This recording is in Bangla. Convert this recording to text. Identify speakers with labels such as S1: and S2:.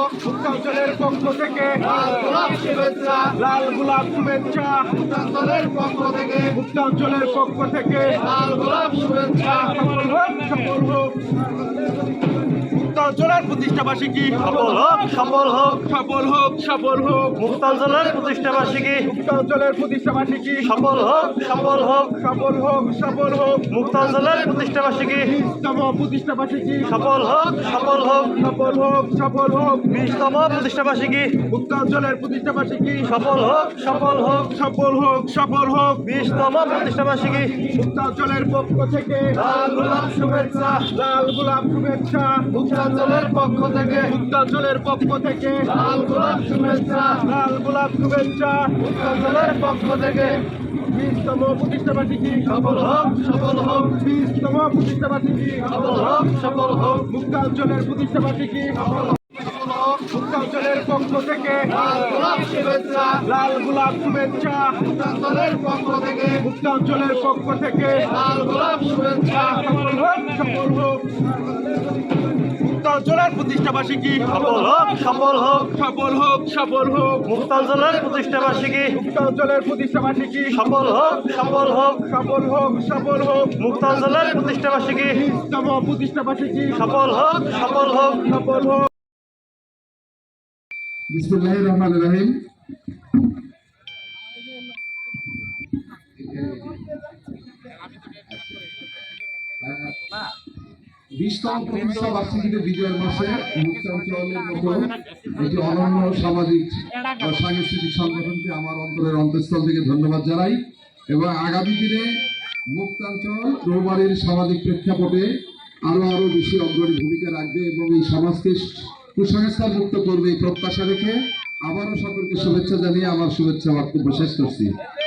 S1: মুক্তাঞ্চলের পক্ষ থেকে
S2: লাল গোলাপ শুভেচ্ছা,
S1: লাল গোলাপ শুভেচ্ছা,
S2: মুক্তাঞ্চলের পক্ষ থেকে
S1: মুক্তাঞ্চলের পক্ষ থেকে
S2: লাল গোলাপ শুভেচ্ছা।
S1: সফল হোক, সফল হোক। মুক্তাঞ্চলের প্রতিষ্ঠাবার্ষিকী
S3: সফল হোক, সফল হোক।
S1: সফল হোক, সফল হোক।
S3: মুক্তাঞ্চলের প্রতিষ্ঠাবার্ষিকী
S1: মুক্তাঞ্চলের প্রতিষ্ঠাবার্ষিকী
S3: সফল হোক, সফল হোক।
S1: সফল হোক, সফল হোক।
S3: মুক্তাঞ্চলের প্রতিষ্ঠাবার্ষিকী
S1: 20তম প্রতিষ্ঠাবার্ষিকী
S3: সফল হোক, সফল হোক।
S1: সফল হোক, সফল হোক।
S3: 20তম প্রতিষ্ঠাবার্ষিকী
S1: মুক্তাঞ্চলের প্রতিষ্ঠাবার্ষিকী
S3: সফল হোক, সফল হোক।
S1: সফল হোক, সফল হোক।
S3: 20তম প্রতিষ্ঠাবার্ষিকী
S1: মুক্তাঞ্চলের পক্ষ থেকে
S2: লাল গোলাপ শুভেচ্ছা,
S1: লাল গোলাপ শুভেচ্ছা,
S2: মুক্তাঞ্চলের পক্ষ থেকে
S1: মুক্তাঞ্চলের পক্ষ থেকে
S2: লাল গোলাপ শুভেচ্ছা,
S1: লাল গোলাপ শুভেচ্ছা।
S2: মুক্তাঞ্চলের পক্ষ থেকে
S1: 20তম প্রতিষ্ঠাবার্ষিকী
S2: সফল হোক, সফল হোক।
S1: 20তম প্রতিষ্ঠাবার্ষিকী
S2: সফল হোক, সফল হোক।
S1: মুক্তাঞ্চলের প্রতিষ্ঠাবার্ষিকী মুক্তাঞ্চলের পক্ষ থেকে
S2: লাল গোলাপ শুভেচ্ছা,
S1: লাল গোলাপ শুভেচ্ছা,
S2: মুক্তাঞ্চলের পক্ষ থেকে
S1: মুক্তাঞ্চলের পক্ষ থেকে
S2: লাল গোলাপ শুভেচ্ছা।
S1: সফল হোক, সফল হোক। মুক্তাঞ্চলের প্রতিষ্ঠাবার্ষিকী
S3: সফল হোক, সফল হোক।
S1: সফল হোক, সফল হোক।
S3: মুক্তাঞ্চলের প্রতিষ্ঠাবার্ষিকী
S1: মুক্তাঞ্চলের প্রতিষ্ঠাবার্ষিকী
S3: সফল হোক, সফল হোক।
S1: সফল হোক, সফল হোক।
S3: মুক্তাঞ্চলের প্রতিষ্ঠাবার্ষিকী
S1: 20তম প্রতিষ্ঠাবার্ষিকী
S3: সফল হোক, সফল হোক।
S1: সফল হোক।
S4: বিসমিল্লাহির রহমানির রহিম। বিশতম প্রতিষ্ঠা বার্ষিকীতে বিজয়ের মাসে মুক্তাঞ্চলের মতো একটি অনন্য সামাজিক ও সাংস্কৃতিক সংগঠনকে আমার অন্তরের অন্তঃস্থল থেকে ধন্যবাদ জানাই এবং আগামী দিনে মুক্তাঞ্চল রৌমারীর সামাজিক প্রেক্ষাপটে আরো বেশি অগ্রণী ভূমিকা রাখবে এবং এই সমাজকে কুসংস্কার মুক্ত করবে এই প্রত্যাশা রেখে আবারও সকলকে শুভেচ্ছা জানিয়ে আমার শুভেচ্ছা বক্তব্য শেষ করছি।